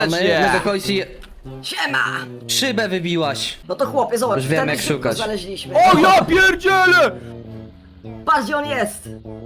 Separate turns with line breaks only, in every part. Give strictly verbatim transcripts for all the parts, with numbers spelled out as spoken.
My,
Nie.
my do końca
Siema!
szybę wybiłaś.
No to chłopie, zobacz,
Już wiem,
ten
jak
szybko
szukać.
znaleźliśmy.
O ja pierdzielę!
Patrz gdzie on jest!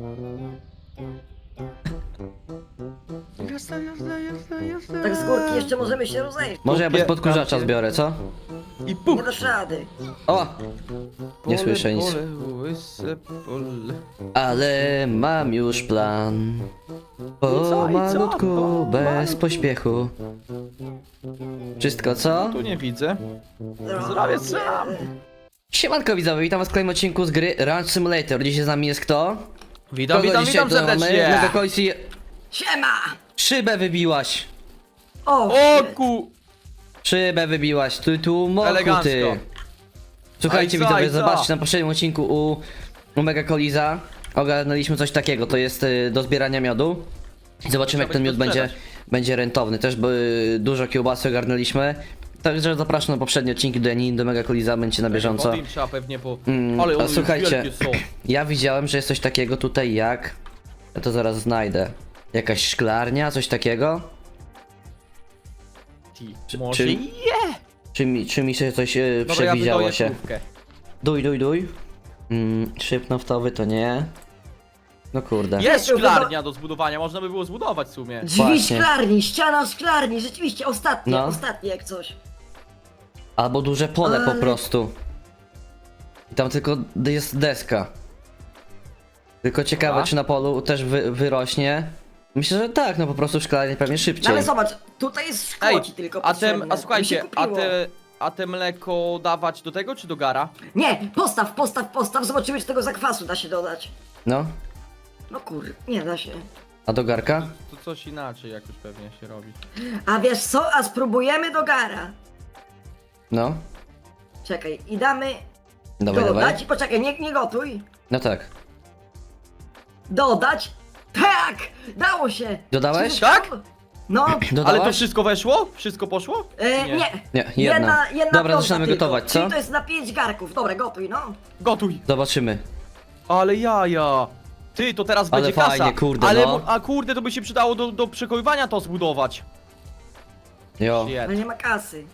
Jazda, jazda, jazda, jazda.
Tak z górki jeszcze możemy się rozejść.
Może ja bez
Kupię
podkurzacza
tam się.
zbiorę, co?
I
Nie
puch!
dasz rady.
O! Nie
Pole,
słyszę nic.
pole, łyse pole.
Ale mam już plan.
I co, i co?
Pomalutku,
Pomalutku.
bez pośpiechu. Wszystko co?
Tu nie widzę. Zrobię sam.
Siemanko widzowie, witam was w kolejnym odcinku z gry Ranch Simulator. Dzisiaj z nami jest kto?
Witam,
Kogo
witam,
dzisiaj
witam
tu mamy?
serdecznie.
My do końca
Siema!
szybę wybiłaś.
O!
O
shit.
ku...
Szybę wybiłaś, tu tu moku
Elegancko.
ty. Słuchajcie
A i co,
widzowie,
i co?
zobaczcie na poprzednim odcinku u, u Mega Koliza ogarnęliśmy coś takiego, to jest y, do zbierania miodu. I zobaczymy jak
Trzeba
ten
będzie
miód będzie,
sprzedać.
będzie rentowny. Też by dużo kiełbasy ogarnęliśmy. Także zapraszam na poprzednie odcinki do Janiny, do Mega Koliza, będziecie na bieżąco.
Wody im trzeba pewnie po...
Mm,
Ale
a
one
słuchajcie,
wielkie są.
ja widziałem, że jest coś takiego tutaj jak... Ja to zaraz znajdę. Jakaś szklarnia, coś takiego?
Ty, Może
czy-
je!
Czy mi, czy mi się coś yy,
Dobra, ja
przewidziało
wydoję
się?
krówkę.
Duj, duj, duj. Mm, szyb naftowy to nie. No kurde.
Jest
Jest,
szklarnia do zbudowania, można by było zbudować w sumie.
Drzwi
Właśnie.
szklarni, ściana szklarni, rzeczywiście, ostatnie,
No.
ostatnie jak coś.
Albo duże pole po
Ale-
prostu. I tam tylko d- jest deska. Tylko ciekawe,
Dobra.
czy na polu też wy, wyrośnie. Myślę, że tak, no po prostu szklarnie pewnie
No
szybciej.
ale zobacz, tutaj jest szkło
Ej,
ci tylko
a, te,
potrzebne.
a słuchajcie,
Mi się
a
kupiło.
te, a te mleko dawać do tego czy do gara?
Nie, postaw, postaw, postaw, zobaczymy czy tego zakwasu da się dodać.
No,
No kur... nie da się.
a do garka?
To coś inaczej jak już pewnie się robi.
A wiesz co, a spróbujemy do gara.
No,
Czekaj, i damy
dawaj,
dodać,
dawaj.
poczekaj, nie, nie gotuj.
No tak.
Dodać? Tak! Dało się!
Dodałeś?
Czy-
Tak?
No,
Ale
Dodałaś?
to wszystko weszło? Wszystko poszło?
e, nie.
Nie, jedna.
jedna
Dobra,
piąta
zaczynamy
tylko.
gotować,
Czyli
co?
to jest na pięć garków. Dobra, gotuj, no.
Gotuj!
Zobaczymy.
Ale jaja! Ty, to teraz
Ale
będzie
fajnie,
kasa.
kurde,
Ale,
no.
mo- A kurde, to by się przydało do, do przechowywania to zbudować.
Jo,
Shit.
Ale nie ma kasy.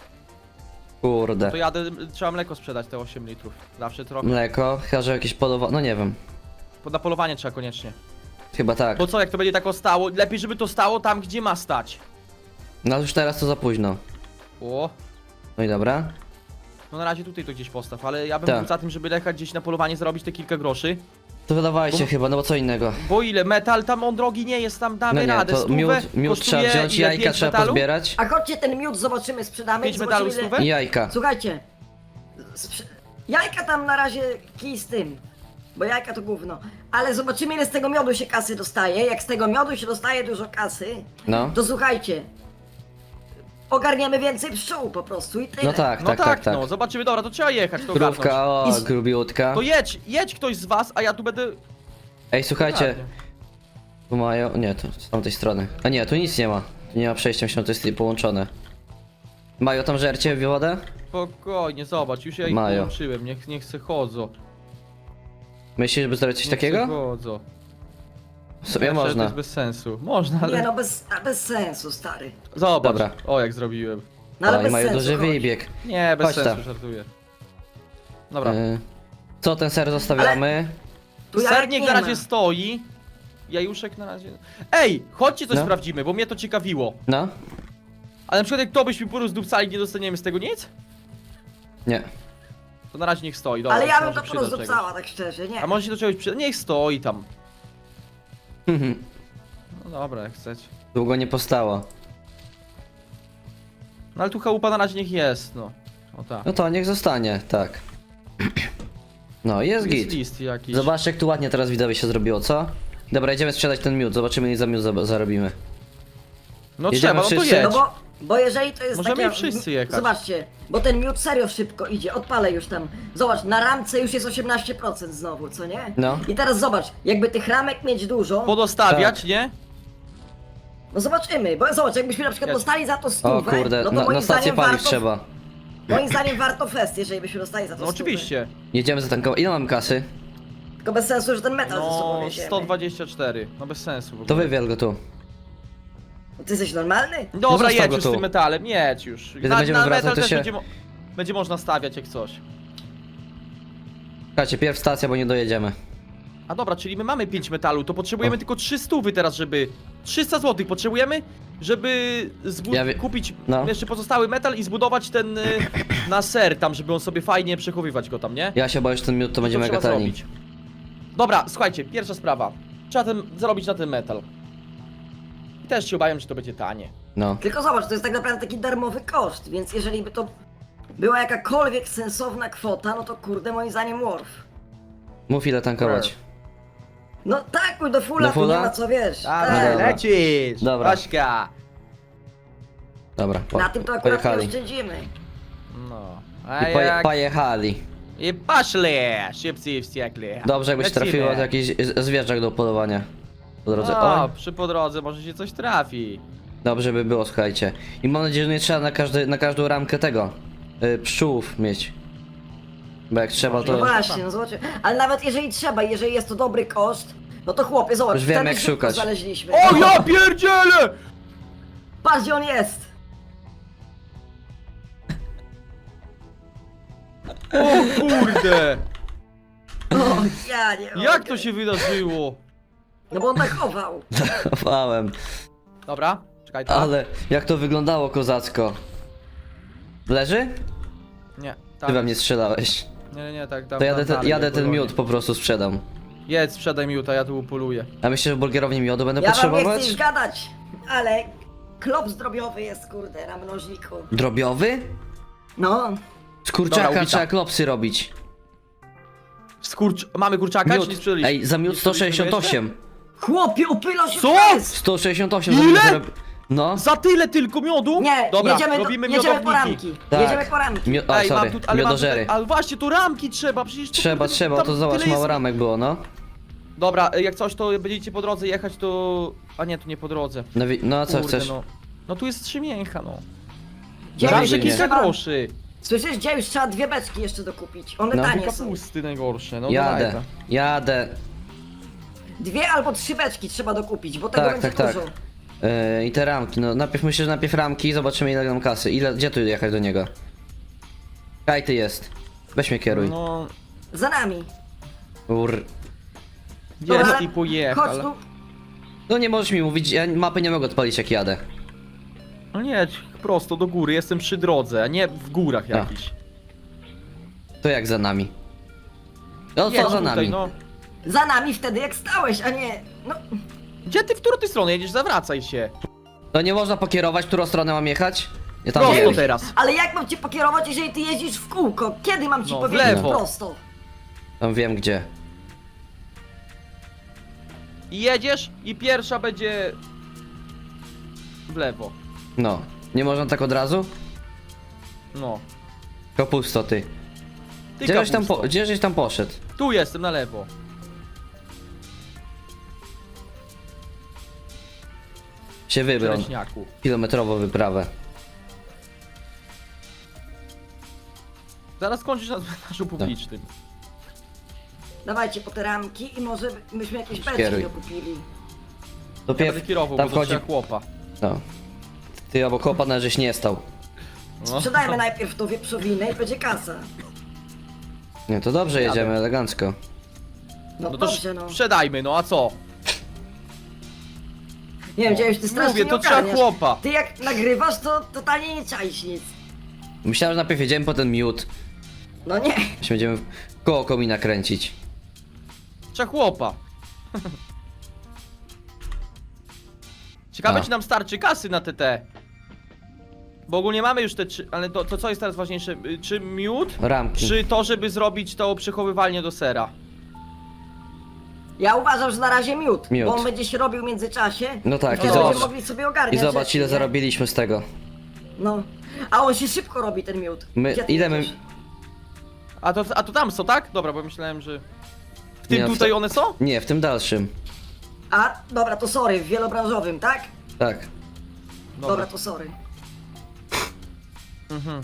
kurde.
To jadę, trzeba mleko sprzedać, te osiem litrów. Zawsze trochę.
Mleko, chyba że jakieś polowa... No nie wiem.
Na polowanie trzeba koniecznie.
Chyba tak.
Bo co, jak to będzie tak stało? Lepiej, żeby to stało tam, gdzie ma stać.
No już teraz to za późno.
O,
No i dobra.
no na razie tutaj to gdzieś postaw, ale ja bym
Tak.
był za tym, żeby jechać gdzieś na polowanie, zarobić te kilka groszy.
To wydawajcie
Bo-
chyba, no bo co innego.
Bo ile? Metal tam on drogi nie jest, tam damy
No nie,
radę.
to
Stówę
miód, miód
kosztuje
trzeba wziąć,
ile?
jajka
Pięć
trzeba
metalu?
pozbierać.
A chodźcie ten miód, zobaczymy, sprzedamy.
Pięć
i
medalów
zobaczymy, ile-
stówę?
I jajka.
Słuchajcie. Sprze... Jajka tam na razie kij z tym. Bo jajka to gówno. Ale zobaczymy ile z tego miodu się kasy dostaje. Jak z tego miodu się dostaje dużo kasy,
No.
to słuchajcie. Ogarniemy więcej pszczół po prostu i tyle.
No tak,
No
tak,
tak,
tak, tak.
no, zobaczymy, dobra, to trzeba jechać, to ogarnąć.
Krówka, o,
I z-
grubiutka.
To jedź, jedź ktoś z was, a ja tu będę...
Ej, słuchajcie.
Ładnie.
Tu mają... Nie, to z tamtej strony. A nie, tu nic nie ma. Tu nie ma przejścia, myślę, to jest połączone. Mają tam żercie w wodę?
Spokojnie, zobacz, już ja ich
Mają.
połączyłem, niech, niech se chodzą.
Myślisz, żeby zrobić coś
Niech se
takiego?
chodzą.
W sumie
Znaczy, To
można.
jest bez sensu. Można, ale...
Nie no, bez, a bez sensu, stary.
Zobacz,
Dobra.
o jak zrobiłem.
No ale
O, i
bez
mają
sensu.
duży
chodź.
wybieg.
Nie, bez
Chodź
sensu,
tam.
żartuję. Dobra.
Y, Co, ten ser zostawiamy?
Tu jajek
Sernik
nie
na razie
ma.
stoi. Jajuszek na razie... Ej, chodźcie coś
No.
sprawdzimy, bo mnie to ciekawiło.
No?
Ale na przykład jak to byśmy porozdupcali, nie dostaniemy z tego nic?
Nie.
To na razie niech stoi, dobra.
Ale ja bym
może
to
przyda czegoś.
porozdupcała, tak szczerze, nie.
A może się do czegoś przyda? Niech stoi tam. No dobra, jak chcecie.
Długo nie postało.
No ale tu chałupa na razie niech jest, no. O tak.
No to niech zostanie, tak. No, jest
Jest
git.
list jakiś.
Zobaczcie, jak tu ładnie teraz widzowie się zrobiło, co? Dobra, idziemy sprzedać ten miód, zobaczymy ile za miód za- zarobimy.
No
Jedziemy
trzeba, no to
wszyscy?
jedź.
No bo, bo jeżeli to jest
Możemy
takie...
wszyscy jechać.
Zobaczcie, bo ten miód serio szybko idzie, odpalę już tam. Zobacz, na ramce już jest osiemnaście procent znowu, co nie?
No.
I teraz zobacz, jakby tych ramek mieć dużo,
Podostawiać,
Tak.
nie?
no zobaczymy, bo zobacz, jakbyśmy na przykład
Jedź.
dostali za to
O
stówę,
kurde,
no to
na,
moim
na stację
zdaniem
paliw
warto,
trzeba.
moim zdaniem warto fest, jeżeli byśmy dostali za to
No
stówę.
oczywiście.
Jedziemy zatankować. Ile mamy kasy?
Tylko bez sensu, że ten metal ze sobą
No
wieziemy.
sto dwadzieścia cztery. No bez sensu w ogóle.
To wywiel go tu.
Ty jesteś normalny?
Dobra,
zostaw
jedź
go
już
tu.
z tym metalem, jedź już.
Kiedy
Na,
będziemy
na
wracać,
metal
to
też
się-
będzie, mo będzie można stawiać jak coś.
Słuchajcie, pierw stacja, bo nie dojedziemy.
A dobra, czyli my mamy pięć metalu, to potrzebujemy
O.
tylko trzy stówy teraz, żeby... trzysta złotych potrzebujemy, żeby zbu-
Ja wie-
kupić
no.
jeszcze pozostały metal i zbudować ten y, na ser tam, żeby on sobie fajnie przechowywać go tam, nie?
Ja się boję, że ten miód to będzie
Co
mega
trzeba
tani.
zrobić? Dobra, słuchajcie, pierwsza sprawa. Trzeba ten, zarobić na ten metal. I też się obawiam, że to będzie tanie.
No.
Tylko zobacz, to jest tak naprawdę taki darmowy koszt, więc jeżeli by to była jakakolwiek sensowna kwota, no to kurde moim zdaniem worth.
Mów ile tankować.
No tak, mój do fulla,
Do
tu nie
fulla?
ma co wiesz.
A,
No
Tak.
dobra.
lecisz!
Dobra.
Ośka!
Dobra, po,
Na tym to akurat nie
pojechali.
oszczędzimy.
No. A
I poje,
jak...
pojechali.
I poszli! Szybcy i wściekli.
Dobrze, jakbyś
Lecimy.
trafiło to jakiś z- zwierzak do polowania. Po drodze.
No,
Oj,
przy po drodze może się coś trafi.
dobrze by było, słuchajcie. I mam nadzieję, że nie trzeba na, każdy, na każdą ramkę tego y, pszczółów mieć. Bo jak trzeba
No
to...
właśnie, no zobaczcie. Ale nawet jeżeli trzeba, jeżeli jest to dobry koszt, no to chłopie, zobacz,
Już wiem,
wtedy
jak
szybko
szukać.
znaleźliśmy.
O ja pierdzielę!
Patrz gdzie on jest!
O kurde!
O, ja nie mogę.
Jak to się wydarzyło?
No bo on tak chował.
Chowałem.
Dobra, czekaj to.
Ale jak to wyglądało kozacko. Leży?
Nie,
Ty
tak.
we mnie strzelałeś.
Nie, nie, nie, tak, tam,
To jadę,
tam
ten,
dalej,
jadę
jak
ten
polonie.
miód po prostu sprzedam.
Jedz, sprzedaj miód, a ja tu upoluję.
A myślę, że w burgerowni miodu będę
Ja wam nie chcę
potrzebować?
już gadać, ale klop zdrobiowy jest kurde na mnożniku.
Drobiowy?
No,
Z
Dobra,
kurczaka
ubita.
trzeba klopsy robić.
Skurcz... Mamy kurczaka, czy nie
Miód.
sprzedaliśmy?
Ej, za miód
Nie
sto
sprzedaliśmy
sześćdziesiąt osiem.
chłopie, upyla się
Co?
przez!
sto sześćdziesiąt osiem.
Ile?
za miód zarob- No.
Za tyle tylko miodu?
Nie,
Dobra,
jedziemy, do,
robimy
jedziemy po
miodowniki.
ramki.
Tak.
Jedziemy po ramki.
Mio- o,
Ej,
sorry,
mam tu, ale mam
miodożery.
tutaj, ale właśnie, tu ramki trzeba, przecież tu,
Trzeba,
kurde,
trzeba,
tam
to zobacz,
tyle
mało
jest-
ramek było, no.
Dobra, jak coś, to będziecie po drodze jechać, to... A nie, tu nie po drodze.
No, wi- no a co
Kurde,
chcesz?
No. no tu jest trzy mięcha, no.
Gdzie
Zawsze
Zawsze
już
nie.
kilka
trzeba-
groszy.
Słyszysz, gdzie już trzeba dwie beczki jeszcze dokupić. One
No.
tanie są.
Kapusty najgorsze, no
Jadę,
dawaj to.
jadę.
Dwie albo trzy beczki trzeba dokupić, bo tego
Tak,
będzie
tak, tak.
dużo.
Yy, I te ramki, no najpierw myślę, że najpierw ramki i zobaczymy ile nam kasy. Ile, gdzie tu jechać do niego? Kaj ty jest. Weź mnie kieruj.
No,
Za nami.
Ur.
jest
Dobra,
i
Chodź
pojechał.
tu.
No nie możesz mi mówić, ja mapy nie mogę odpalić jak jadę.
No nie, prosto do góry, jestem przy drodze, a nie w górach
A.
jakichś.
To jak za nami? No
Jedź
co za
tutaj,
nami?
no.
Za nami wtedy jak stałeś, a nie... No,
Gdzie ty, w którą ty stronę jedziesz? Zawracaj się.
To nie można pokierować, którą stronę mam jechać? Ja tam
Prosto
wiem.
teraz.
ale jak mam cię pokierować, jeżeli ty jeździsz w kółko? Kiedy mam ci
No, w
powiedzieć
lewo.
prosto?
Tam wiem gdzie.
I jedziesz i pierwsza będzie... w lewo.
No. Nie można tak od razu?
No.
Kapusto ty.
Ty
Gdzieś tam,
kapusto.
po, gdzieś tam poszedł?
Tu jestem, na lewo.
Się wybrał.
Leśniaku.
Kilometrową wyprawę.
Zaraz kończysz na cmentarzu publicznym.
Dawajcie po te ramki i może myśmy jakieś beczki
Kieruj.
dokupili.
To
Ja
pierw,
będę kierował,
tam
bo to
wchodzi...
trzeba chłopa.
No. Ty obok chłopa na żeś nie stał.
No.
Sprzedajmy najpierw tą wieprzowinę i będzie kasa.
Nie, to dobrze
Jadę.
jedziemy, elegancko.
No,
No to
dobrze, no.
sprzedajmy, no a co?
Nie wiem, gdzie już ty strasznie
Mówię,
nie
to trzeba
ogarniasz.
chłopa.
Ty jak nagrywasz, to totalnie nie czaisz nic.
Myślałem, że najpierw jedziemy po ten miód.
No nie.
Się będziemy w koło komina kręcić.
Trzeba chłopa. Ciekawe,
A.
czy nam starczy kasy na T T. Bo ogólnie mamy już te trzy, ale to, to co jest teraz ważniejsze? Y, Czy miód?
Ramki.
Czy to, żeby zrobić to przechowywalnię do sera?
Ja uważam, że na razie miód,
Miód.
bo on będzie się robił w międzyczasie.
No tak,
i
i
wtedy
zobacz.
będziemy mogli sobie ogarniać
I zobacz
rzeczy,
ile
nie?
zarobiliśmy z tego.
No. A on się szybko robi, ten miód.
My-
Gdzie ty
ile my-
jedziesz?
A to, a to tam są, tak? Dobra, bo myślałem, że... W tym
Nie, w
tutaj
to-
one są?
Nie, w tym dalszym.
A, dobra, to sorry, w wielobranżowym, tak?
Tak.
Dobra, to sorry.
Mhm.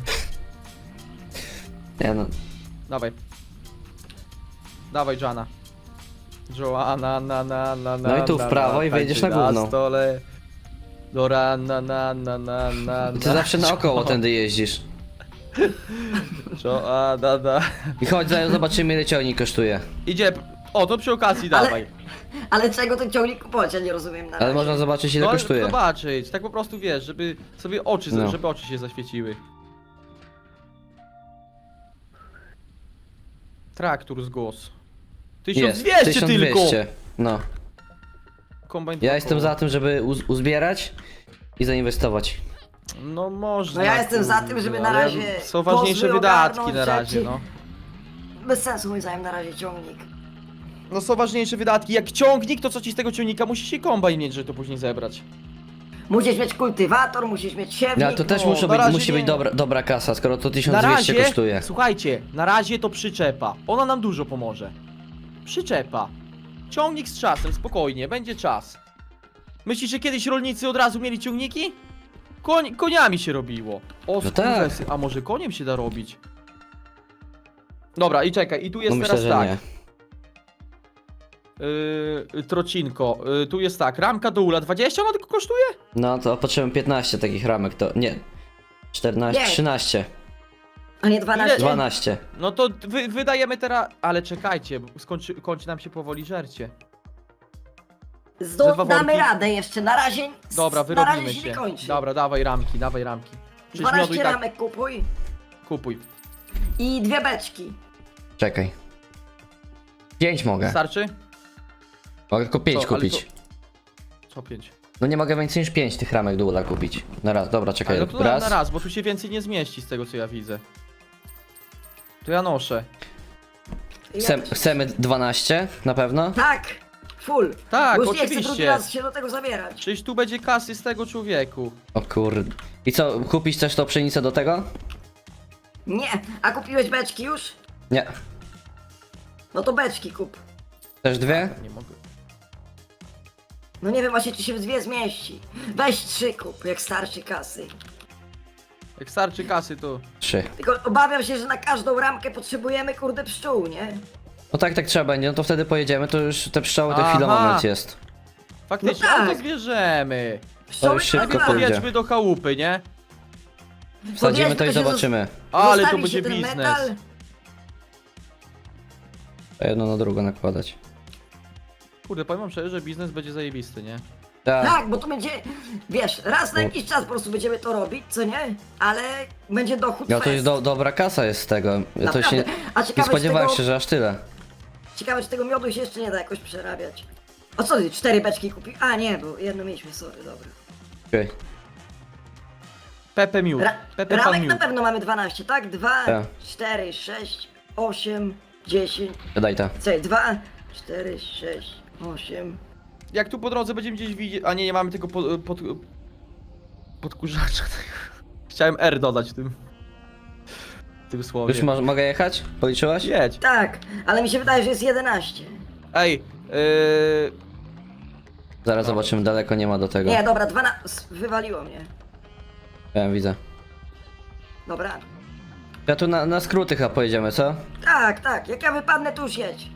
Nie no.
Dawaj. Dawaj, Jana. Joanna, na, na, na, na,
No i tu w
na,
prawo
na,
i wejdziesz
tańczy
na gówno.
stole. Dora, na, na, na, na, na,
Ty zawsze naokoło tędy jeździsz.
Co, a, da, da.
I chodź, zaraz zobaczymy ile ciągnik kosztuje.
Idzie, o, to przy okazji
Ale-
dawaj.
Ale czego ten ciągnik kupować, ja nie rozumiem na
Ale
razie.
można zobaczyć ile
No,
kosztuje.
zobaczyć, tak po prostu wiesz, żeby sobie oczy,
No.
żeby oczy się zaświeciły. Traktor z głos. tysiąc dwieście tylko!
No.
Kombajn
Ja
dwa
jestem
koła.
za tym, żeby uz uzbierać i zainwestować.
No można.
No ja jestem za tym,
kurde,
żeby na
ale
razie
są ważniejsze
pozwy
wydatki
ogarnąć,
na razie,
rzeczy.
no.
Bez sensu moim zdaniem na razie ciągnik.
No są ważniejsze wydatki. Jak ciągnik, to co ci z tego ciągnika? Musisz się kombajn mieć, żeby to później zebrać.
Musisz mieć kultywator, musisz mieć siewnik.
No, ale to też
no,
muszą
na
być,
razie
musi
nie.
być dobra, dobra kasa, skoro to
Na
tysiąc dwieście
razie,
kosztuje.
słuchajcie, na razie to przyczepa. Ona nam dużo pomoże. Przyczepa. Ciągnik z czasem, spokojnie, będzie czas. Myślisz, że kiedyś rolnicy od razu mieli ciągniki? Koń, koniami się robiło. O,
No tak.
skurwesy. A może koniem się da robić? Dobra, i czekaj, i tu jest
No myślę,
teraz
że
tak.
nie.
Yy, trocinko, yy, tu jest tak, ramka do ula dwadzieścia ona tylko kosztuje?
No to potrzebujemy piętnaście takich ramek, to nie. czternaście,
Nie.
trzynaście,
A nie dwanaście?
dwanaście.
No to wy, wydajemy teraz, ale czekajcie, bo skończy, kończy nam się powoli żercie. Ze
Zdo,
dwa
damy
worki.
radę jeszcze, na razie.
Dobra,
na razie
wyrobimy
się
się.
nie kończy.
Dobra, dawaj ramki, dawaj ramki. Przecież miodu i
dwanaście
tak
ramek kupuj
kupuj.
i dwie beczki.
Czekaj. pięć mogę.
Starczy?
Mogę tylko pięć
Co, ale
kupić.
Co pięć?
No nie mogę więcej niż pięć tych ramek do ula kupić. Na raz, dobra, czekaj.
Ale no to
raz.
na raz, bo tu się więcej nie zmieści z tego co ja widzę. To ja noszę.
I
Chcem,
ja-
chcemy dwanaście, na pewno?
Tak, full.
Tak,
Bo już nie chcę
oczywiście.
drugi raz się do tego zabierać.
Czyż tu będzie kasy z tego człowieku?
O kurde. I co, kupić też tą pszenicę do tego?
Nie, a kupiłeś beczki już?
Nie.
No to beczki kup.
Też dwie?
Nie mogę.
No nie wiem właśnie czy się w dwie zmieści. Weź trzy kup, jak starczy kasy.
Jak starczy kasy to...
Trzy.
Tylko obawiam się, że na każdą ramkę potrzebujemy kurde pszczół, nie?
No tak, tak trzeba będzie, no to wtedy pojedziemy, to już te pszczoły to
Aha.
chwilę moment jest.
Faktycznie,
No tak.
ale to zwierzemy.
Pszczoły
już szybko
Najpierw
pójdzie.
podjedźmy do chałupy, nie?
Wsadzimy to i
się
zobaczymy.
Ale to
zostawi
będzie
się ten
biznes.
metal.
To jedno na drugo nakładać.
Kurde, powiem wam szczerze, że biznes będzie zajebisty, nie?
Tak.
Tak, bo to będzie, wiesz, raz na jakiś czas po prostu będziemy to robić, co nie? Ale będzie dochód
No to
fest.
jest do, dobra kasa jest z tego. Ja to
Naprawdę.
się
A
nie
ciekawe,
spodziewałem
czy
się,
tego,
że aż tyle.
ciekawe, czy tego miodu się jeszcze nie da jakoś przerabiać. A co ty, cztery beczki kupił? A nie, bo jedno mieliśmy, sorry, dobra.
Okej.
Pepe miód.
Ra
Pepe pan
ramek na
miód.
pewno mamy dwanaście, tak? dwa,
Tak.
cztery, sześć, osiem, dziesięć,
Daj ta.
co, dwa, cztery, sześć, osiem.
Jak tu po drodze będziemy gdzieś widzieć... A nie, nie mamy tego pod... pod podkurzacza. Chciałem R dodać w tym... w tym słowie.
Już mo mogę jechać? Policzyłaś?
Jedź.
Tak, ale mi się wydaje, że jest jedenaście.
Ej, yy...
Zaraz zobaczymy, daleko nie ma do tego.
Nie, dobra, dwanaście, wywaliło mnie.
Ja widzę.
Dobra.
Ja tu na, na skróty chyba pojedziemy, co?
Tak, tak, jak ja wypadnę, to już jedź.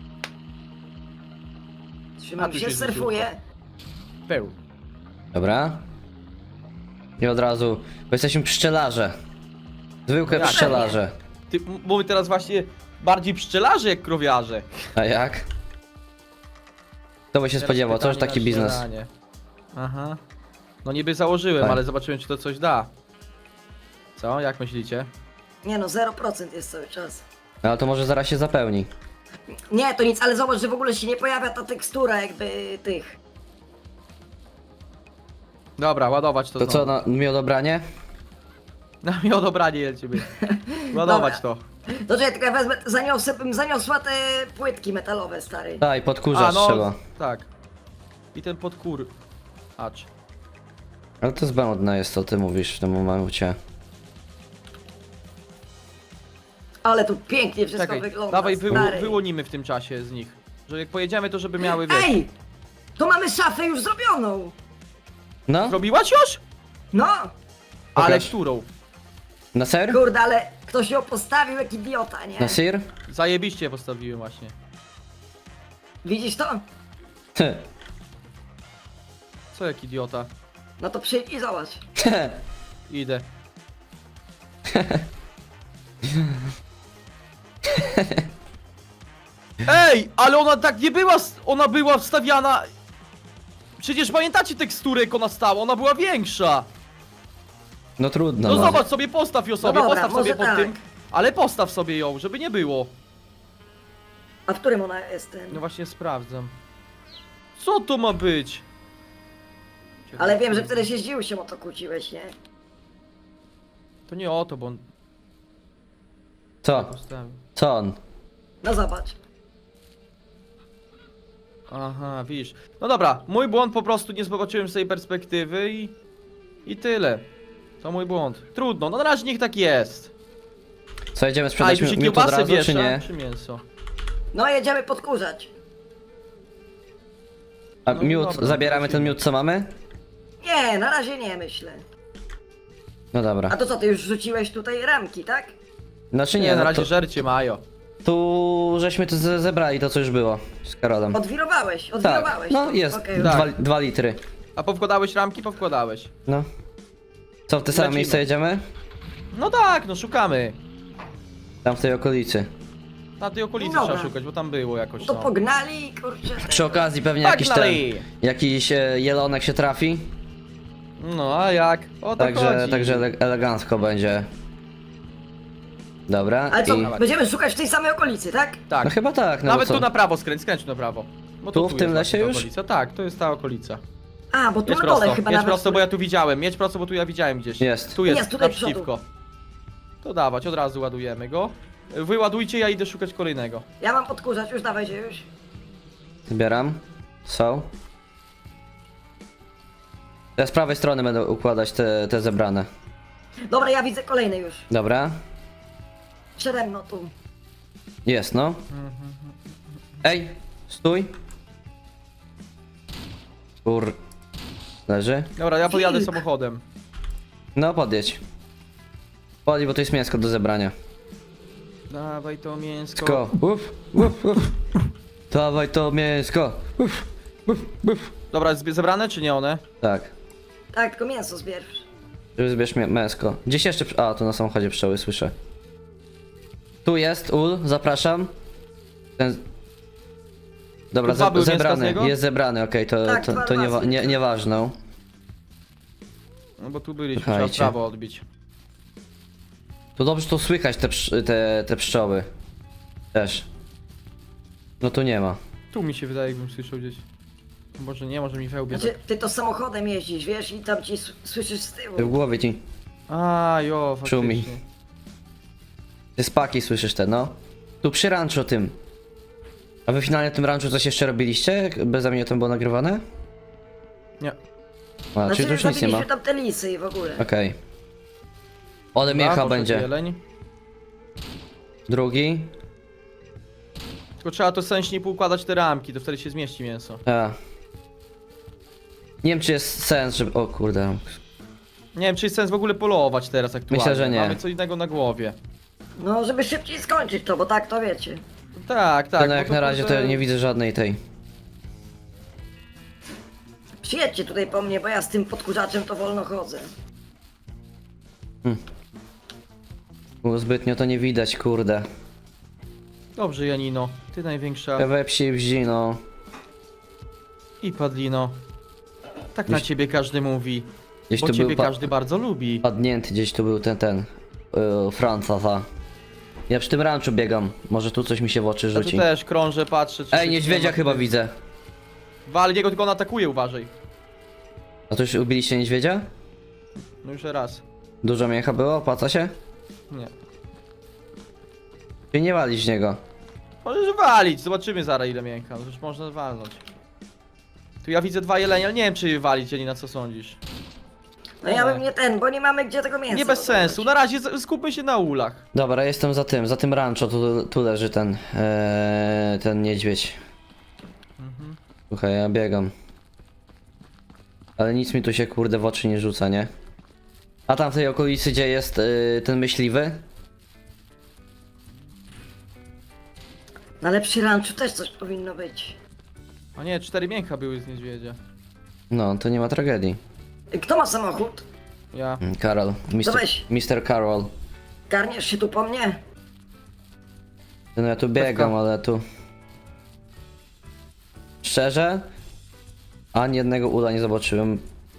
A
Trzymam
tu
się,
się
surfuję.
Peł.
Dobra. I od razu, bo jesteśmy pszczelarze. Zwykłe
No jak?
pszczelarze.
Ty, m- mówię teraz właśnie bardziej pszczelarze jak krowiarze.
A jak? Kto by się
Teraz
spodziewał, to już
pytanie
taki
na
biznes.
śniadanie. Aha. No niby założyłem,
Tak.
ale zobaczyłem czy to coś da. Co? Jak myślicie?
Nie no, zero procent jest cały czas.
No ale to może zaraz się zapełni.
Nie, to nic, ale zobacz, że w ogóle się nie pojawia ta tekstura jakby tych.
Dobra, ładować to
To co,
znowu.
na miodobranie?
Na mnie odobranie lecimy. Ładować to.
To czekaj, tylko ja wezmę, zaniosę, bym zaniosła te płytki metalowe, stary.
Tak, podkurzacz
no,
trzeba.
tak. I ten podkur... Acz.
Ale to zbędne jest, co ty mówisz w tym momencie.
Ale tu pięknie wszystko
Czekaj,
wygląda,
dawaj wy,
stary.
wyłonimy w tym czasie z nich. Że jak pojedziemy to żeby miały wiesz.
Ej! To mamy szafę już zrobioną!
No?
Zrobiłaś już?
No!
Ale
Pokaż.
którą?
Na ser?
Kurde, ale ktoś ją postawił jak idiota, nie?
Na sir?
Zajebiście postawiłem właśnie.
Widzisz to?
Ty.
Co jak idiota?
No to przyjdź i zobacz.
Idę. Ej, ale ona tak nie była, s- ona była wstawiana... Przecież pamiętacie teksturę, jak ona stała, ona była większa.
No trudno.
No
no.
zobacz sobie, postaw ją sobie,
dobra,
postaw sobie
może
pod
tak.
tym. Ale postaw sobie ją, żeby nie było.
A w którym ona jest ten?
No właśnie sprawdzam. Co to ma być?
Ale wiem, że wtedy się zdziwił się o to kłóciłeś, nie?
To nie o to, bo on
Co?
postawił.
Co on?
No zobacz.
Aha, widzisz. No dobra, mój błąd, po prostu nie zobaczyłem z tej perspektywy i... I tyle. To mój błąd. Trudno, no na razie niech tak jest.
Co, jedziemy
A, i
sprzedać
tu się
mi- miód od
kiełbasę
razu, czy
wiesza,
nie?
czy mięso?
No jedziemy podkurzać.
A
No
miód,
dobra,
zabieramy ten
lecimy.
miód, co mamy?
Nie, na razie nie myślę.
No dobra.
A to co, ty już rzuciłeś tutaj ramki, tak?
Znaczy nie,
Nie, na
no
razie
to,
żercie mają.
tu żeśmy to ze- zebrali, to co już było z Karolem.
Odwirowałeś,
Tak,
odwirowałeś.
no
to.
jest,
Okej,
Tak.
dwa, dwa litry.
A powkładałeś ramki? Powkładałeś.
No. Co, w te same
Lecimy.
miejsce jedziemy?
No tak, no szukamy.
Tam w tej okolicy.
Na tej okolicy
Dobra.
trzeba szukać, bo tam było jakoś
To
no.
pognali i kurczę.
Przy okazji pewnie jakiś ten,
Pognali!
jakiś e, jelonek się trafi.
No a jak? O to
Także,
chodzi.
także ele elegancko będzie. Dobra,
Ale co,
i...
będziemy szukać w tej samej okolicy, tak?
Tak.
No chyba tak, no
Nawet
bo co?
tu na prawo skręć, skręć tu na prawo. Bo
Tu,
to
w tym
jest
lesie
właśnie ta
już?
Okolica. Tak, to jest ta okolica.
A, bo tu
Jedź
na dole
prosto,
chyba
jedź
nawet...
prosto, bo ja tu widziałem. Jedź prosto, bo tu ja widziałem gdzieś.
Jest.
Tu jest,
Jest, tutaj
naprzeciwko. To dawać, od razu ładujemy go. Wyładujcie, ja idę szukać kolejnego.
Ja mam podkurzać, już dawajcie już.
Zbieram. Są. Ja z prawej strony będę układać te, te zebrane.
Dobra, ja widzę kolejny już.
Dobra.
Przede mną tu.
Jest, no. Ej, stój. Kur... Leży.
Dobra, ja podjadę
Wilk.
samochodem.
No, podjedź. Podjedź, bo to jest mięsko do zebrania.
Dawaj to mięsko.
Sko. Uf, uf, uf. Dawaj to mięsko. Uf, uf, uf.
Dobra, zbie- zebrane czy nie one?
Tak.
Tak, tylko mięso zbierz.
Żeby zbierz mię- mięsko. Gdzieś jeszcze... przy- A, tu na samochodzie pszczoły słyszę. Tu jest, ul, zapraszam. Ten... Dobra,
Tu dwa
ze
były mięska z
zebrany,
niego?
jest zebrany, okej, to,
Tak,
to,
dwa
to nie,
razy.
nie, nieważne.
No bo tu byliśmy,
Słuchajcie.
trzeba prawo odbić.
To dobrze tu słychać te, psz- te, te pszczoły. Też. No tu nie ma.
Tu mi się wydaje, jakbym słyszał gdzieś. Może nie, może mi wełbie.
Znaczy, ty to samochodem jeździsz, wiesz, i tam ci s- słyszysz z tyłu.
W głowie ci.
A, jo,
Szumi.
faktycznie.
Ty spaki słyszysz te, no. Tu przy ranczu tym. A wy finalnie tym ranczu coś jeszcze robiliście? Jak beze mnie to było nagrywane?
Nie.
A, czyli tu już nic nie ma.
zabiliśmy tam te lisy i w ogóle.
Okej. Ole
Dobra,
miecha
poszedł
będzie.
Jeleń.
Drugi.
Tylko trzeba to sensnie poukładać te ramki, to wtedy się zmieści mięso.
A. Nie wiem czy jest sens, żeby... O kurde.
Nie wiem, czy jest sens w ogóle polować teraz aktualnie.
Myślę, że nie.
Mamy co innego na głowie.
No, żeby szybciej skończyć to, bo tak to wiecie.
Tak, tak.
no
bo
jak
to
na razie to
kurde-
ja nie widzę żadnej tej.
Przyjedźcie tutaj po mnie, bo ja z tym podkurzaczem to wolno chodzę.
Bo zbytnio to nie widać, kurde.
Dobrze, Janino. Ty największa
We psi wzi, no.
i Padlino. Tak na
Gdzieś-
ciebie każdy mówi.
Gdzieś
Bo
tu
ciebie
był pa
każdy bardzo lubi.
padnięty, gdzieś tu był ten, ten. Yy, Franca, ta. Ja przy tym ranczu biegam. Może tu coś mi się w oczy
Ja tu
rzuci.
też krążę, patrzę. czy
Ej,
się
niedźwiedzia
nie ma-
chyba widzę.
Wal, niego tylko on atakuje, uważaj.
A to już ubiliście niedźwiedzia?
No już raz.
Dużo mięcha było? Opłaca się?
Nie.
Czy nie walić z niego?
Możesz walić, zobaczymy zaraz ile mięka. No już można walnąć. Tu ja widzę dwa jelenie, ale nie wiem czy je walić, ani na co sądzisz.
No ja bym nie ten, bo nie mamy gdzie tego mięsa.
Nie bez
dodawać.
sensu, na razie z- skupmy się na ulach.
Dobra, jestem za tym, za tym rancho, tu, tu leży ten, ee, ten niedźwiedź.
Mhm.
Słuchaj, ja biegam. Ale nic mi tu się kurde w oczy nie rzuca, nie? A tam w tej okolicy, gdzie jest yy, ten myśliwy?
No ale przy ranczu też coś powinno być.
A nie, cztery mięcha były z niedźwiedzia.
No, to nie ma tragedii.
Kto ma samochód?
Ja.
Mm, Karol.
To
mister
weź.
mister Karol.
Garniesz się tu po mnie?
No ja tu biegam,
Pewka.
ale tu... Szczerze? Ani jednego ula nie zobaczyłem.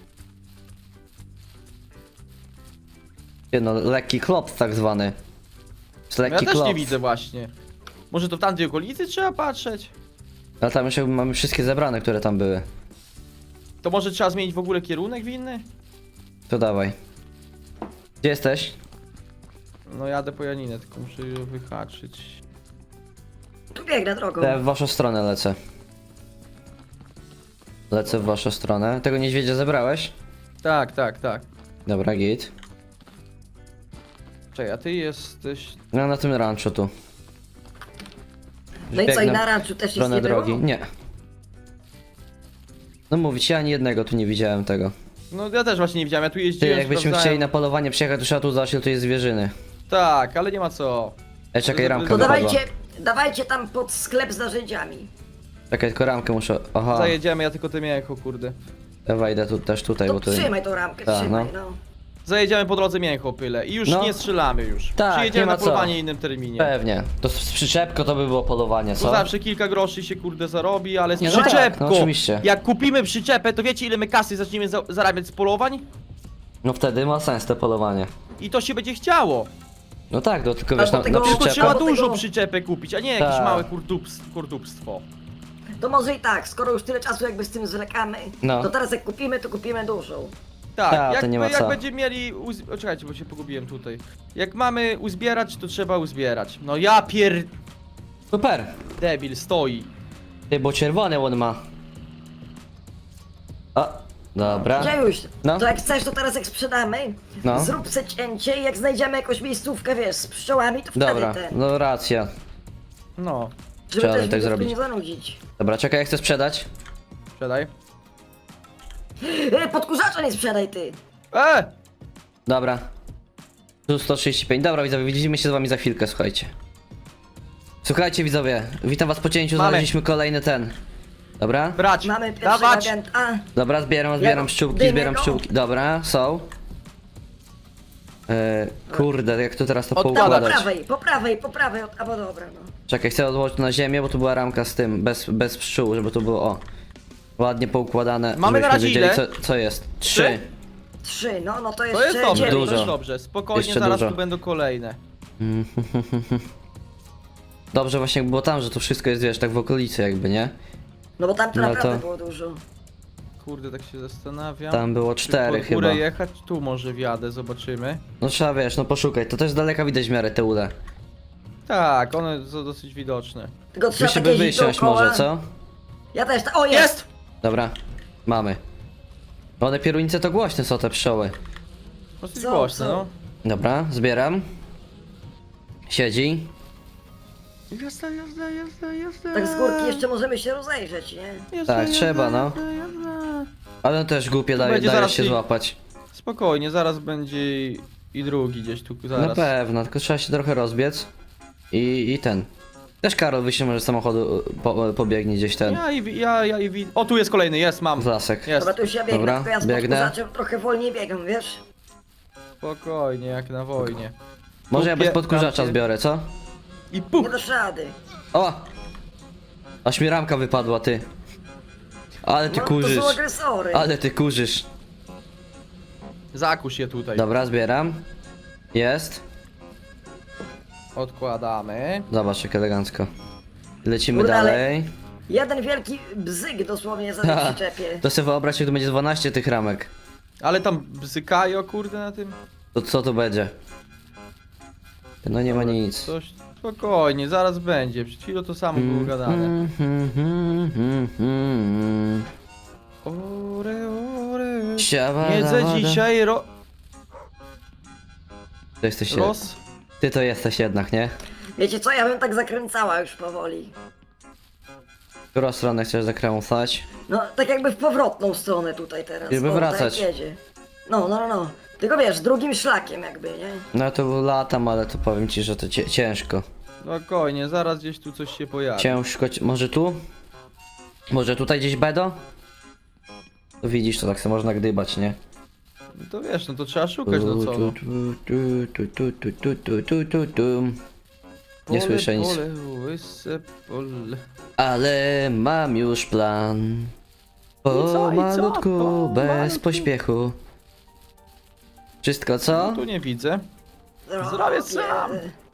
Nie no, lekki klops tak zwany. Jest
Ja
lekki
też
klops.
nie widzę właśnie. Może to w tamtej okolicy trzeba patrzeć?
Ale tam już jakby mamy wszystkie zebrane, które tam były.
To może trzeba zmienić w ogóle kierunek winny?
To dawaj. Gdzie jesteś?
No jadę po Janinę, tylko muszę ją wyhaczyć.
Tu biegnę drogą.
To ja w waszą stronę lecę. Lecę w waszą stronę. Tego niedźwiedzia zebrałeś?
Tak, tak, tak.
Dobra, git.
Czekaj, a ty jesteś...
No na tym ranchu tu.
No i co, i
Biegnę
na ranczu też
w
nic
stronę
nie było?
drogi. Nie. No mówić, ja ani jednego tu nie widziałem tego.
No ja też właśnie nie widziałem, ja tu
Ty,
jeździłem,
jakbyśmy
sprawdzałem.
chcieli na polowanie przyjechać, to trzeba tu zobaczyć, ile tu jest zwierzyny.
Tak, ale nie ma co.
Ej, czekaj,
To-
ramka
To
wypadła.
dawajcie, dawajcie tam pod sklep z narzędziami.
Czekaj, tylko ramkę muszę... Aha,
Zajedziemy, ja tylko te mięcho, kurde.
ja wejdę tu, też tutaj,
To
bo tu...
trzymaj tą ramkę,
Tak,
trzymaj,
no.
no.
Zajedziemy po drodze mięcho, pyle. I już
No.
nie strzelamy już.
Tak,
Przyjedziemy
nie ma
na
co.
polowanie w innym terminie.
Pewnie. To z przyczepko to by było polowanie,
To
co?
zawsze kilka groszy się kurde zarobi, ale z
Nie, no tak,
przyczepką.
no oczywiście.
Jak kupimy przyczepę, to wiecie ile my kasy zaczniemy za zarabiać z polowań?
No wtedy ma sens to polowanie.
I to się będzie chciało.
No tak, no tylko
Albo
wiesz, na, na
tego-
Tylko
przyczepę...
trzeba
Albo
dużo
tego-
przyczepę kupić, a nie jakieś
Tak.
małe kurdupstwo. kurdupstwo.
To może i tak, skoro już tyle czasu jakby z tym zwlekamy,
No.
to teraz jak kupimy, to kupimy dużą.
Tak,
Ta, to
jak,
nie ma
jak
co.
będziemy mieli. Uz... O, czekajcie, bo się pogubiłem tutaj. Jak mamy uzbierać, to trzeba uzbierać. No ja pier.
Super!
Debil stoi.
Ty, bo czerwony on ma. O, dobra.
Gdzie już?
No.
To jak chcesz, to teraz jak sprzedamy,
No.
zrób se cięcie i jak znajdziemy jakąś miejscówkę, wiesz, z pszczołami, to wtedy
Dobra,
ten.
no racja.
No,
Żeby
trzeba
też
tak
widzów tu
zrobić.
nie zanudzić.
Dobra, czekaj, jak chcę sprzedać.
sprzedaj.
E, podkurzacza nie sprzedaj ty!
E!
Dobra. Tu sto trzydzieści pięć. Dobra, widzowie, widzimy się z wami za chwilkę, słuchajcie. Słuchajcie, widzowie, witam was po cięciu,
Mamy.
znaleźliśmy kolejny ten. Dobra?
Brać!
Mamy pierwszego
Dawać!
agenta.
Dobra, zbieram, zbieram
Ja-
pszczółki,
dymy
zbieram
go.
pszczółki. Dobra, są. E, kurde, jak tu teraz to
Odkładać.
Tam po
poukładać?
prawej, po prawej, po prawej, od- albo dobra, no.
Czekaj, chcę odłożyć na ziemię, bo tu była ramka z tym, bez, bez pszczół, żeby to było, o. Ładnie poukładane,
Mamy na
żebyśmy
razie
wiedzieli,
ile?
co, co jest.
Trzy?
Trzy.
Trzy, no, no to
To
jeszcze
jest dobrze,
dziewięć.
Dużo.
to jest dobrze. Spokojnie,
Jeszcze
zaraz
dużo.
tu będą kolejne.
Dobrze właśnie jak było tam, że to wszystko jest, wiesz, tak w okolicy jakby, nie?
No bo tam to
No
naprawdę
to-
było dużo.
Kurde, tak się zastanawiam.
Tam było
Czy
cztery
pod górę
chyba.
jechać? Tu może wjadę, zobaczymy.
No trzeba, wiesz, no poszukaj, to też z daleka widać w miarę te ule.
Tak, one są dosyć widoczne.
Tylko
Wy
trzeba
się
tak
by
jeździć
wysiąść
dookoła.
może, co?
Ja też, ta- o jest!
Jest!
Dobra, mamy. One pierunice to głośne są te pszczoły.
Dosyć
Co,
głośno,
co?
no.
Dobra, zbieram. Siedzi.
Jazda, jazda, jazda, jazda.
Tak z górki jeszcze możemy się rozejrzeć, nie?
Jazda,
Tak,
jazda,
trzeba, no.
jazda, jazda.
Ale też głupie daje,
będzie
daje
zaraz
się
i-
złapać.
Spokojnie, zaraz będzie i- i drugi gdzieś tu,
Na
zaraz.
pewno, tylko trzeba się trochę rozbiec. I, i ten. Też Karol wyjście może z samochodu po, pobiegnie gdzieś ten.
Ja i wi- ja, ja i wi- O, tu jest kolejny, jest, mam.
W lasek.
Jest.
Dobra, to już ja biegnę,
Dobra,
tylko ja z
biegnę.
podkurzaczem trochę wolniej biegam, wiesz?
Spokojnie, jak na wojnie.
Może ja bez
Kupię-
podkurzacza
tamcie-
zbiorę, co?
I
Nie
puch!
dasz rady.
O! Aż mi ramka wypadła, ty. Ale ty
No, to są
kurzysz.
agresory.
Ale ty kurzysz.
Zakuś je tutaj.
Dobra, zbieram. Jest.
Odkładamy.
Zobacz jak elegancko. Lecimy
Kurde, ale-
dalej.
Jeden wielki bzyk dosłownie za
Ha,
tym przyczepie.
to sobie wyobraź, jak tu będzie dwanaście tych ramek.
Ale tam bzykają, kurde, na tym.
To co tu będzie? No nie ma nic.
Coś. Spokojnie, zaraz będzie. Przed chwilą to samo było gadane.
Mm, mm, mm, mm, mm.
Ore, ore.
Siaba,
Jedzę
da, da.
dzisiaj ro...
To jesteś
roz...
Ty to jesteś jednak, nie?
Wiecie co, ja bym tak zakręcała już powoli.
W którą stronę chcesz zakręcać?
No, tak jakby w powrotną stronę tutaj teraz.
Żeby
O, tak
wracać.
jedzie. No, no, no, no. Tylko wiesz, drugim szlakiem jakby, nie?
No to latam, ale to powiem ci, że to cie ciężko.
Spokojnie, zaraz gdzieś tu coś się pojawi.
Ciężko, ci- może tu? Może tutaj gdzieś Bedo? To widzisz, to tak sobie można gdybać, nie?
No to wiesz, no to trzeba szukać, no co? No.
Tu, tu, tu, tu, tu, tu, tu, tu, tu, tu. Nie
Pole,
słyszę nic.
Pole, łyse pole.
Ale mam już plan.
I co,
Po
i co?
malutku,
Po
bez
malutku.
pośpiechu. Wszystko
No
co?
tu nie widzę.
No,
Zrobię
nie.
sam.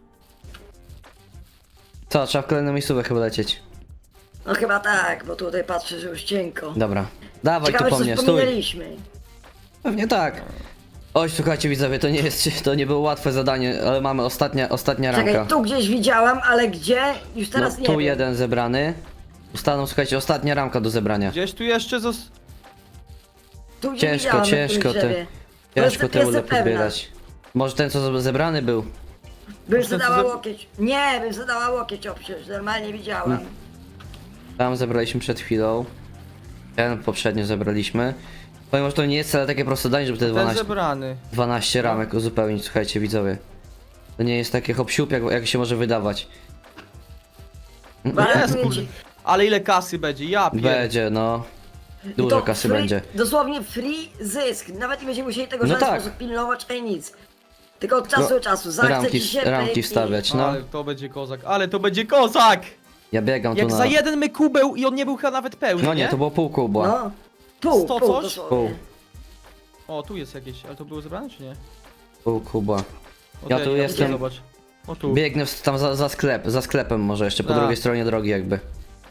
Co, trzeba w kolejną miejscówkę chyba lecieć.
No chyba tak, bo tutaj patrzę, że już cienko.
Dobra. Dawaj
Ciekawe,
tu po
czy
mnie,
coś
stój.
pominęliśmy.
Pewnie tak. Oj, słuchajcie widzowie, to nie jest, to nie było łatwe zadanie, ale mamy ostatnia, ostatnia
Czekaj,
ramka.
tu gdzieś widziałam, ale gdzie? Już
No,
teraz nie
tu
wiem.
jeden zebrany. Ustaną, słuchajcie, ostatnia ramka do zebrania.
Gdzieś tu jeszcze zos...
Tu gdzie
Ciężko,
widziałam, na
ciężko
którymś
te,
drzewie.
ciężko
jestem-
te ule
jestem pewna.
podbierać. Może ten, co zebrany był?
Bym
Może ten, co
zadała
ze-
łokieć. Nie, bym zadała łokieć obciąć, normalnie widziałam.
Tam zebraliśmy przed chwilą. Ten poprzednio zebraliśmy. Powiem, że to nie jest wcale takie proste danie, żeby te
Ten
dwanaście,
zebrany.
dwanaście ramek uzupełnić, słuchajcie widzowie. To nie jest takie hop siup, jak, jak się może wydawać.
Gwarantuję
Jest,
ci.
kurde. Ale ile kasy będzie? Ja pier...
Będzie, no.
I
Dużo
to
kasy
free,
będzie.
Dosłownie free zysk. Nawet nie będziemy musieli tego w
No
żaden
tak.
sposób pilnować, ani nic. Tylko od czasu do czasu. Zachce
Ramki,
ci się
ramki
pyk i-
wstawiać, no.
Ale to będzie kozak, ale to będzie kozak!
Ja biegam tu
Jak
na...
za jeden my kubeł i on nie był chyba nawet pełny,
No nie, to było pół kubła.
No. Pół,
Sto
pół,
coś?
dosłownie.
Pół.
O, tu jest jakieś, ale to było zebrane czy nie?
Pół kubła.
O,
Ja
to
tu
widzę,
jestem.
Zobacz. O tu.
Biegnę w- tam za, za sklep, za sklepem może jeszcze, po
Tak.
drugiej stronie drogi jakby.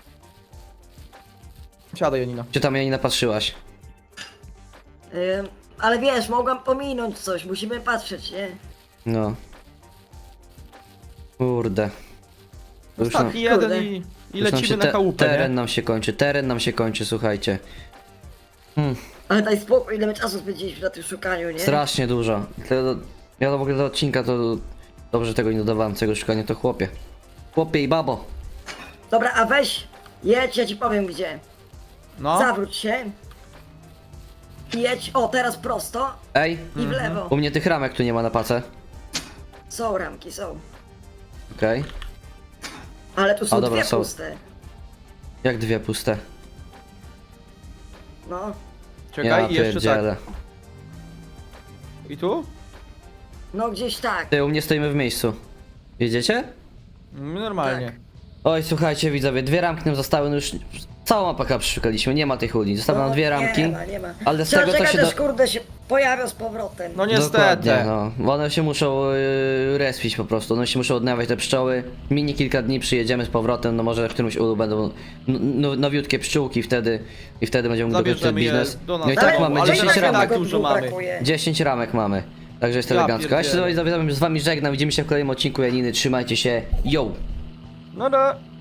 Siadaj, Janina.
Czy tam jej nie napatrzyłaś?
Ym, ale wiesz, mogłam pominąć coś, musimy patrzeć, nie?
No. Kurde. To już nam-
Ostatni jeden
Kurde.
i, i
już nam się
lecimy na
te-
chałupę,
Teren
nie?
nam się kończy, teren nam się kończy, słuchajcie.
Ale daj spokój, ile my czasu spędziliśmy na tym szukaniu, nie?
Strasznie dużo. Tego- Ja to w ogóle do odcinka to... Dobrze, że tego nie dodawałem, tego szukania to chłopie. Chłopie i babo.
Dobra, a weź, jedź, ja ci powiem gdzie.
No.
Zawróć się. I jedź, o, teraz prosto
Ej,
i w lewo.
u mnie tych ramek tu nie ma na pace.
Są ramki, są.
Okej.
Ale tu są
A, dobra,
dwie
są.
puste.
Jak dwie puste.
No.
Czekaj,
Ja
i jeszcze
pierdzielę.
tak. I tu?
No gdzieś tak.
Ty, u mnie stoimy w miejscu. Jedziecie?
Mm, Normalnie.
Tak.
Oj, słuchajcie widzowie, dwie ramki nam zostały, no już całą mapę przeszukaliśmy, nie ma tych uli. Zostały nam
No,
dwie ramki.
Nie ma, nie ma.
Ale z
Trzeba
tego to
czekać,
się
aż
da...
kurde się pojawia z powrotem.
No niestety.
Dokładnie, no. Bo one się muszą yy, respić po prostu, one się muszą odnawiać te pszczoły. Minie kilka dni, przyjedziemy z powrotem, no może w którymś ulu będą n- n- nowiutkie pszczółki wtedy i wtedy będziemy mógł dokończyć ten
Zabierzemy je
biznes.
do nas.
No i
Ale-
tak mamy
ale
dziesięć
tak-
ramek.
tak dużo mamy.
Brakuje.
dziesięć ramek mamy. Także jest
Ja
elegancko. A ja się
pierdzielę.
z wami- z wami żegnam, widzimy się w kolejnym odcinku Janiny, trzymajcie się, yo!
No da.